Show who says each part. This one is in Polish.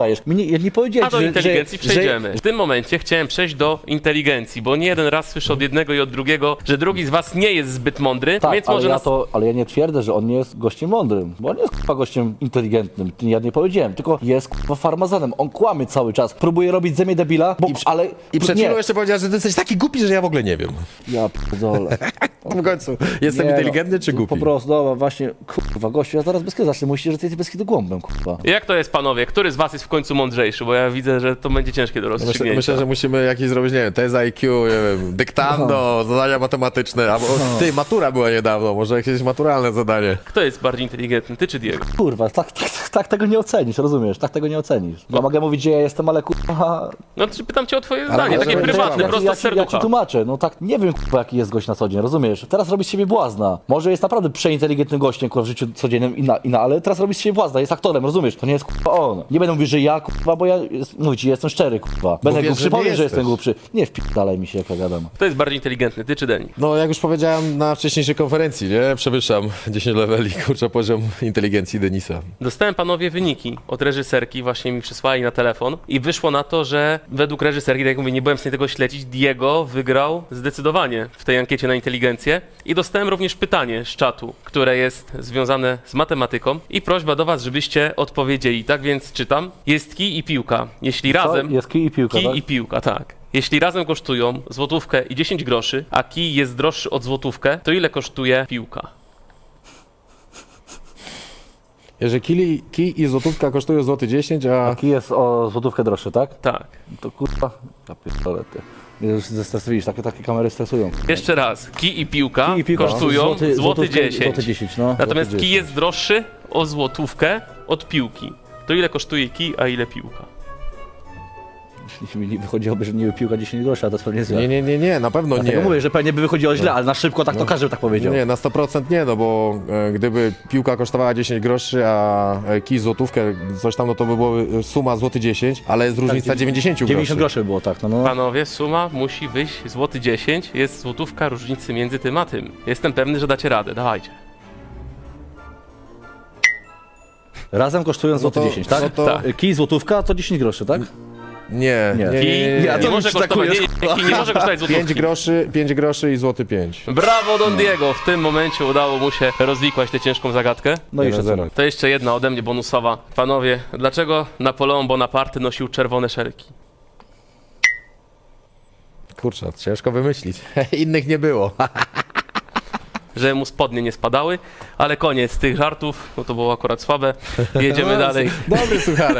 Speaker 1: dajesz. Ja nie powiedziałem,
Speaker 2: A do
Speaker 1: że,
Speaker 2: inteligencji
Speaker 1: że,
Speaker 2: przejdziemy. W tym momencie chciałem przejść do inteligencji, bo nie jeden raz słyszę od jednego i od drugiego, że drugi z was nie jest zbyt mądry,
Speaker 1: Tak,
Speaker 2: więc
Speaker 1: ale,
Speaker 2: może
Speaker 1: ale ja nie twierdzę, że on nie jest gościem mądrym, bo on jest k***a gościem inteligentnym. Ja nie powiedziałem, tylko jest k***a farmazonem. On kłamie cały czas. Próbuje robić ze mnie debila, ale...
Speaker 3: I przed
Speaker 1: nie.
Speaker 3: chwilą jeszcze powiedział, że ty jesteś taki głupi, że ja w ogóle nie wiem.
Speaker 1: Ja pierdolę.
Speaker 3: W końcu, jestem
Speaker 1: Nie,
Speaker 3: inteligentny czy głupi?
Speaker 1: Po prostu, dobra, właśnie, kurwa, gościu, ja zaraz bez kiedy zacznę. Myślicie, że ty jesteś bez kiedy głąbem, kurwa.
Speaker 2: Jak to jest, panowie? Który z was jest w końcu mądrzejszy? Bo ja widzę, że to będzie ciężkie do rozstrzygnięcia.
Speaker 3: Myślę, że musimy jakieś zrobić, nie wiem, test IQ, nie wiem, dyktando, zadania matematyczne, albo ty, matura była niedawno, może jakieś maturalne zadanie.
Speaker 2: Kto jest bardziej inteligentny, ty czy Diego?
Speaker 1: Kurwa, tak tego nie ocenisz, rozumiesz? Tak tego nie ocenisz. Ja mogę mówić, gdzie ja jestem, ale kurwa...
Speaker 2: No to pytam cię o twoje zdanie, takie
Speaker 3: żeby-
Speaker 2: prywatne,
Speaker 3: ja-
Speaker 2: prosto z
Speaker 1: Ja ci
Speaker 2: serducha.
Speaker 1: tłumaczę, no tak, nie wiem, kurwa, jaki jest gość na co dzień, rozumiesz? Teraz robi z siebie błazna. Może jest naprawdę przeinteligentnym gościem, kurwa, w życiu codziennym, ale teraz robi z siebie błazna, jest aktorem, rozumiesz? To nie jest, kurwa, on. Nie będę mówił, że ja, kurwa, bo ja, mówię ci, jestem szczery, kurwa. Będę
Speaker 3: wiesz,
Speaker 1: głupszy,
Speaker 3: że nie
Speaker 1: powiem, że
Speaker 3: jesteś.
Speaker 1: jestem głupszy. Nie wpierdalaj mi się, jak ja gadam.
Speaker 2: Kto jest bardziej inteligentny, ty czy Deni?
Speaker 3: No, jak już powiedziałem na wcześniejszej konferencji, nie? Przewyższam 10 leveli, kurczę, poziom inteligencji Denisa.
Speaker 2: Dostałem, panowie, wyniki od reżyserki, właśnie mi przysłali na telefon i wyszło na to, że według reżyserki, tak jak mówię, nie byłem w stanie tego śledzić, Diego wygrał zdecydowanie w tej ankiecie na inteligencję i dostałem również pytanie z czatu, które jest związane z matematyką i prośba do was, żebyście odpowiedzieli. Tak więc czytam. Jest kij i piłka. Jeśli razem...
Speaker 1: Jest kij i piłka,
Speaker 2: Kij
Speaker 1: tak?
Speaker 2: i piłka, tak. Jeśli razem kosztują złotówkę i 10 groszy, a kij jest droższy od złotówkę, to ile kosztuje piłka?
Speaker 3: Jeżeli kij i złotówka kosztują złoty 10, a...
Speaker 1: Kij jest o złotówkę droższy, tak?
Speaker 2: Tak.
Speaker 1: To kurwa, ja pierdolę, ty. Mnie już zestresujesz, takie kamery stresują.
Speaker 2: Jeszcze raz. Kij i piłka,
Speaker 1: Kij i piłka,
Speaker 2: kosztują złoty
Speaker 1: złotówkę,
Speaker 2: 10.
Speaker 1: Złoty 10, no.
Speaker 2: Natomiast
Speaker 1: złoty
Speaker 2: kij jest droższy o złotówkę od piłki. To ile kosztuje kij, a ile piłka?
Speaker 1: Jeśli mi wychodziłoby, że nie piłka 10 groszy, a to jest pewnie złe.
Speaker 3: Nie, na pewno nie.
Speaker 1: Dlatego mówię, że pewnie by wychodziło źle, ale na szybko tak to każdy by tak powiedział.
Speaker 3: Nie, na 100% nie, no bo gdyby piłka kosztowała 10 groszy, a kij złotówkę, coś tam, no to by było suma złoty 10, ale jest różnica 90 groszy.
Speaker 1: 90 groszy by było, tak. No.
Speaker 2: Panowie, suma musi wyjść złoty 10. Jest złotówka różnicy między tym a tym. Jestem pewny, że dacie radę. Dawajcie.
Speaker 1: Razem kosztują złoty
Speaker 3: to-
Speaker 1: 10, tak?
Speaker 3: no to-
Speaker 1: Tak. Kij złotówka to 10 groszy, tak?
Speaker 3: Nie.
Speaker 2: Kij
Speaker 1: Ja
Speaker 2: nie
Speaker 1: to
Speaker 2: może
Speaker 1: już
Speaker 2: kosztować,
Speaker 1: takujesz,
Speaker 2: kij nie może kosztować
Speaker 3: 5
Speaker 2: złotówki.
Speaker 3: 5 groszy i złoty 5.
Speaker 2: Brawo Don Diego, w tym momencie udało mu się rozwikłać tę ciężką zagadkę.
Speaker 1: No i jeszcze
Speaker 3: 1-0.
Speaker 1: co?
Speaker 2: To jeszcze jedna ode mnie bonusowa. Panowie, dlaczego Napoleon Bonaparte nosił czerwone szelki?
Speaker 3: Kurczę, ciężko wymyślić. Innych nie było.
Speaker 2: Że mu spodnie nie spadały, ale koniec tych żartów, no to było akurat słabe. Jedziemy dalej.
Speaker 3: Dobry sucharek.